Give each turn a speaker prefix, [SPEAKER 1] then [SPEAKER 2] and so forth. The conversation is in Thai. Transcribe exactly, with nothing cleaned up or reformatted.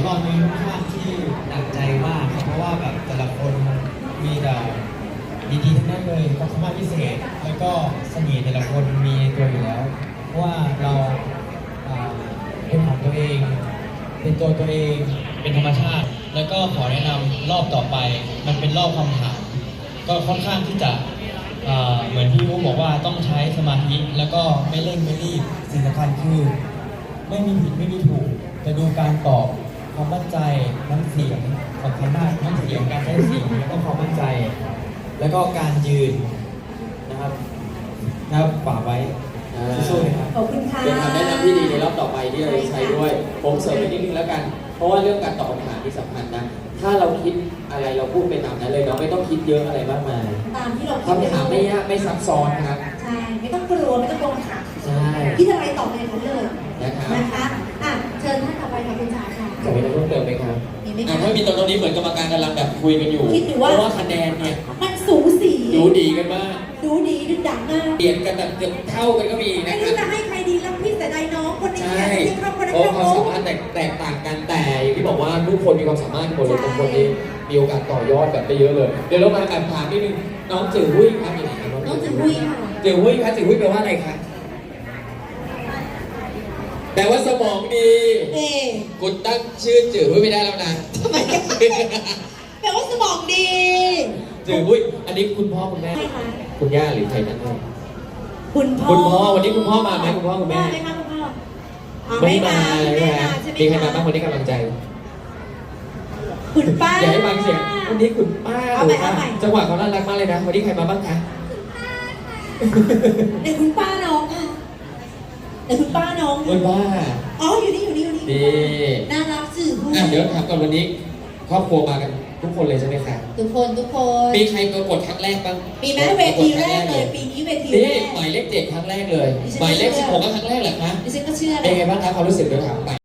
[SPEAKER 1] อนนี้ค่อนข้างที่หนักใจมากครับเพราะว่าแบบแต่ละคนมีแต่ดีๆทั้งนั้นเลยความสามารถพิเศษแล้วก็เสน่ห์แต่ละคนมีในตัวอยู่แล้ว เพราะว่าเราอ่าเป็นของตัวเอง เป็นตัวตัวเองเป็นธรรมชาติ แล้วก็ขอแนะนำรอบต่อไป มันเป็นรอบคำถามก็ค่อนข้างที่จะอ่าเหมือนที่อู๋บอกว่าต้องใช้สมาธิแล้วก็ไม่เร่งไม่รีบสิ่งสำคัญคือไม่มีผิดไม่มีถูกจะดูการตอบความมั่นใจน้ำเสียงสำคัญมากน้ำเสียงการใช้เสียงแล้วก็ความมั่นใจ แล้วก็การยืนนะครับนะครับฝากไว้สู้ๆนะครับ
[SPEAKER 2] ขอบคุณค่ะ
[SPEAKER 3] เป็นคำแนะนำที่ดีในรอบต่อไปที่เราจะใช้ด้วย ผมเสริมไปนิดนึงแล้วกัน เพราะว่าเรื่องการตอบคำถามที่สำคัญนะ ถ้าเราคิดอะไรเราพูดไปตามนั้นเลยเนาะไม่ต้องคิดเยอะอะไรมากมาย
[SPEAKER 2] ตามที่เรา
[SPEAKER 3] คำถามไม่ยากไม่ซับซ้อนครับ
[SPEAKER 2] ใช่ไม่ต้องกลัวไม่ต้องกลัวค่ะ
[SPEAKER 3] ใช่
[SPEAKER 2] คิดอะไรตอบในนั้นเลย
[SPEAKER 3] นะครับ
[SPEAKER 2] นะคะอ่ะเชิญท่านต่อไปค่ะคุณจ๋าค่ะ
[SPEAKER 3] จะมีอะไรเพิ่มเติมไหมครับ
[SPEAKER 2] มีไหม
[SPEAKER 3] อ่ะ
[SPEAKER 2] คะ
[SPEAKER 3] ถ้ามีตรงนี้เหมือนกรรมการกำลังแบบคุยกันอยู่
[SPEAKER 2] คิดอยู่
[SPEAKER 3] เพ
[SPEAKER 2] ว่า
[SPEAKER 3] ราะว่าคะแนนเนี่ย
[SPEAKER 2] มันสูสี
[SPEAKER 3] ดูดีกันมาก
[SPEAKER 2] ดูดีดูดังมาก
[SPEAKER 3] เปลี่ยนกันแบบเกือบเท่ากันก็มี
[SPEAKER 2] ไม่
[SPEAKER 3] นะค
[SPEAKER 2] รู้
[SPEAKER 3] รับ
[SPEAKER 2] จะให้ใครดีแล้วพี่แต่ใดน้องคนนี้
[SPEAKER 3] ใช่
[SPEAKER 2] อยากจะเข้าคนนั้น
[SPEAKER 3] เพราะ
[SPEAKER 2] ก็
[SPEAKER 3] ความ
[SPEAKER 2] โอ้
[SPEAKER 3] สามารถแตกแตกต่างกันแต่อย่างที่บอกว่าทุกคนมีความสามารถหมดเลยบางคนนี่มีโอกาสต่อยอดแบบได้เยอะเลย เดี๋ยวเรามาแอบถามนิดนึงน้องจือหุ้ยครับอยู่ไหนครับ
[SPEAKER 2] น้องจือหุ้ยค่ะ
[SPEAKER 3] จือหุ้ยครับจือหุ้ยแปลว่าอะไรครับแปลว่าสมองดี
[SPEAKER 2] เอ๊ะ
[SPEAKER 3] คุณตั้งชื่อจือหุ้ยไม่ได้แล้วนะ
[SPEAKER 2] ทำไมกันแปลว่าสมองดี
[SPEAKER 3] จือหุ้ยอันนี้คุณพ่อคุณแม่
[SPEAKER 2] ใช่ค่ะ
[SPEAKER 3] คุณย่าหรือใครนั่นให้
[SPEAKER 2] คุณพ่อ
[SPEAKER 3] คุณพ่อวันนี้คุณพ่อมาไหมคุณพ่อคุณแม่
[SPEAKER 2] มาไหมคะคุณพ่ออ๋อ
[SPEAKER 3] ไม่
[SPEAKER 2] ไม่
[SPEAKER 3] มา
[SPEAKER 2] มา
[SPEAKER 3] เลย
[SPEAKER 2] ไม่
[SPEAKER 3] นะ
[SPEAKER 2] มาใช่ไหม
[SPEAKER 3] มีใครมา
[SPEAKER 2] คะ
[SPEAKER 3] บ้างคนนี้กำลังใจ
[SPEAKER 2] คุณป้า
[SPEAKER 3] อย่าให้ฟังเสียงวันนี้คุณป้า
[SPEAKER 2] เอา
[SPEAKER 3] ห
[SPEAKER 2] ให
[SPEAKER 3] รื
[SPEAKER 2] ม่
[SPEAKER 3] อป้า
[SPEAKER 2] เอาใหม่
[SPEAKER 3] จังหวะเขาน่ารักมากเลยนะวันนี้ใครมาบ้างคะ
[SPEAKER 2] เดี๋ยวคุณป้าน้องค่ะเดี๋ยวคุณป้าน้อง
[SPEAKER 3] คุณป้า
[SPEAKER 2] อ๋ออยู่นี่อยู่นี่อยู่นี่
[SPEAKER 3] ดี
[SPEAKER 2] น่ารักสื่อผู้
[SPEAKER 3] อ่ะเดี๋ยวถามก่อนวันนี้ครอบครัวมากันทุกคนเลยใช่ไหมคะ
[SPEAKER 2] ทุกคนทุกคน
[SPEAKER 3] มีใครประกวดครั้งแรกบ้าง
[SPEAKER 2] มีแม้เวทีแรกเลยปีนี้เวทีแร
[SPEAKER 3] นี่
[SPEAKER 2] ก
[SPEAKER 3] หมายเลขเจ็ดครั้งแรกเลย
[SPEAKER 2] ดิฉัน
[SPEAKER 3] หมายเลข
[SPEAKER 2] เชื่
[SPEAKER 3] สิบ
[SPEAKER 2] อ
[SPEAKER 3] หกก็ครั้งแรกเหรอคะ
[SPEAKER 2] ดิฉันก็เชื่อ
[SPEAKER 3] เป็น
[SPEAKER 2] นะ
[SPEAKER 3] ไงบ้างคะความรู้สึกเดี๋ยวถามไป